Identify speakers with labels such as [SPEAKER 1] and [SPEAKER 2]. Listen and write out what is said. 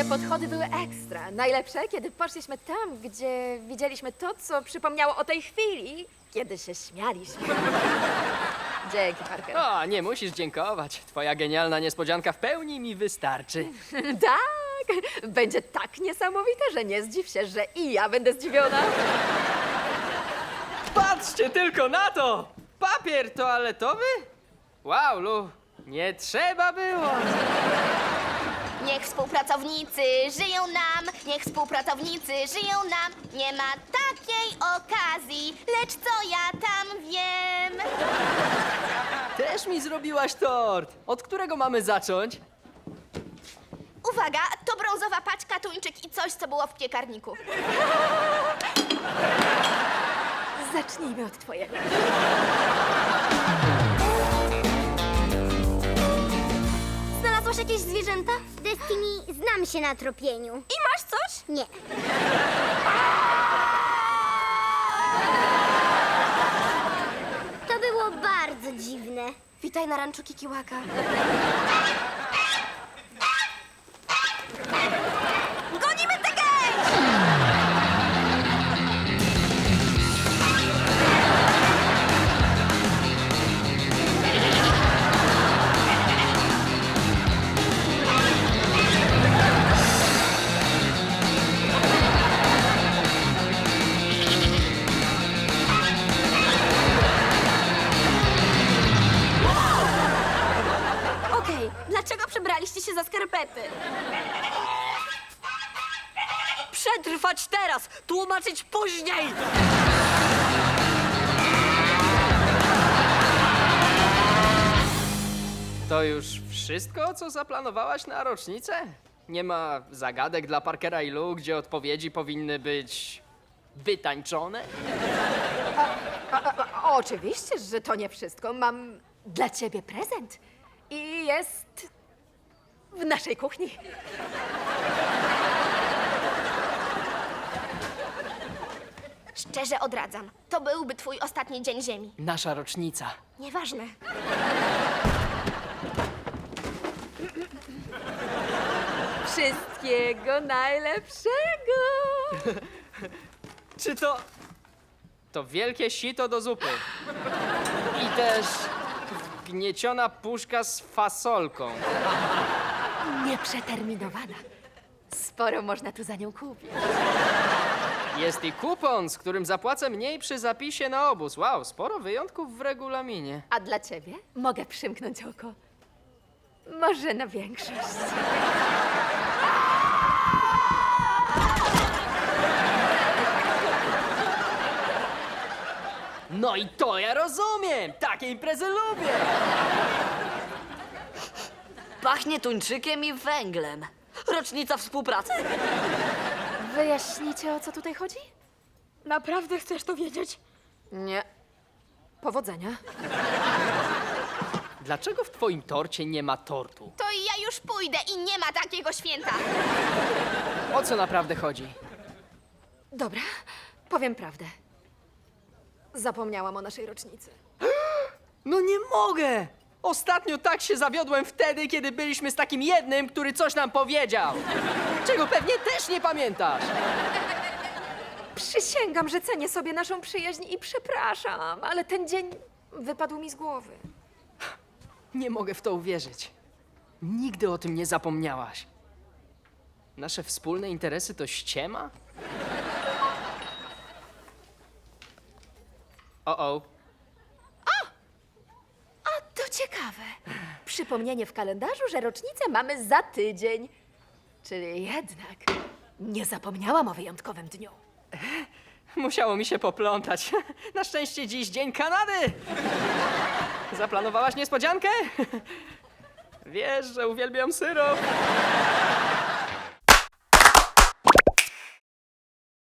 [SPEAKER 1] Te podchody były ekstra. Najlepsze, kiedy poszliśmy tam, gdzie widzieliśmy to, co przypomniało o tej chwili, kiedy się śmialiśmy. Dzięki, Parker.
[SPEAKER 2] O, nie musisz dziękować. Twoja genialna niespodzianka w pełni mi wystarczy.
[SPEAKER 1] Tak, będzie tak niesamowite, że nie zdziw się, że i ja będę zdziwiona.
[SPEAKER 2] Patrzcie tylko na to! Papier toaletowy? Wow, Lu, nie trzeba było.
[SPEAKER 3] Niech współpracownicy żyją nam, niech współpracownicy żyją nam. Nie ma takiej okazji, lecz co ja tam wiem?
[SPEAKER 2] Też mi zrobiłaś tort. Od którego mamy zacząć?
[SPEAKER 3] Uwaga, to brązowa paczka, tuńczyk i coś, co było w piekarniku.
[SPEAKER 1] Zacznijmy od twojego.
[SPEAKER 3] Znalazłaś jakieś zwierzęta?
[SPEAKER 4] Destiny, znam się na tropieniu.
[SPEAKER 3] I masz coś?
[SPEAKER 4] Nie. To było bardzo dziwne.
[SPEAKER 3] Witaj na ranczu Kikiłaka. Gonimy tę gęś! Okej, dlaczego przebraliście się za skarpety?
[SPEAKER 5] Przetrwać teraz, tłumaczyć później!
[SPEAKER 2] To już wszystko, co zaplanowałaś na rocznicę? Nie ma zagadek dla Parkera i Lu, gdzie odpowiedzi powinny być wytańczone?
[SPEAKER 1] Oczywiście, że to nie wszystko. Mam dla ciebie prezent. I jest w naszej kuchni.
[SPEAKER 3] Szczerze odradzam. To byłby twój ostatni dzień ziemi.
[SPEAKER 2] Nasza rocznica.
[SPEAKER 3] Nieważne.
[SPEAKER 1] Wszystkiego najlepszego!
[SPEAKER 2] Czy to... To wielkie sito do zupy. I też gnieciona puszka z fasolką.
[SPEAKER 1] Nieprzeterminowana. Sporo można tu za nią kupić.
[SPEAKER 2] Jest i kupon, z którym zapłacę mniej przy zapisie na obóz. Wow, sporo wyjątków w regulaminie.
[SPEAKER 1] A dla ciebie mogę przymknąć oko. Może na większość.
[SPEAKER 2] No i to ja rozumiem! Takie imprezy lubię!
[SPEAKER 5] Pachnie tuńczykiem i węglem. Rocznica współpracy.
[SPEAKER 1] Wyjaśnicie, o co tutaj chodzi?
[SPEAKER 3] Naprawdę chcesz to wiedzieć?
[SPEAKER 1] Nie. Powodzenia.
[SPEAKER 2] Dlaczego w twoim torcie nie ma tortu?
[SPEAKER 3] To ja już pójdę i nie ma takiego święta.
[SPEAKER 2] O co naprawdę chodzi?
[SPEAKER 1] Dobra, powiem prawdę. Zapomniałam o naszej rocznicy.
[SPEAKER 2] No nie mogę! Ostatnio tak się zawiodłem wtedy, kiedy byliśmy z takim jednym, który coś nam powiedział. Czego pewnie też nie pamiętasz.
[SPEAKER 1] Przysięgam, że cenię sobie naszą przyjaźń i przepraszam, ale ten dzień wypadł mi z głowy.
[SPEAKER 2] Nie mogę w to uwierzyć. Nigdy o tym nie zapomniałaś. Nasze wspólne interesy to ściema? O.
[SPEAKER 1] A to ciekawe. Przypomnienie w kalendarzu, że rocznicę mamy za tydzień. Czyli jednak nie zapomniałam o wyjątkowym dniu.
[SPEAKER 2] Musiało mi się poplątać. Na szczęście dziś Dzień Kanady! Zaplanowałaś niespodziankę? Wiesz, że uwielbiam syrop.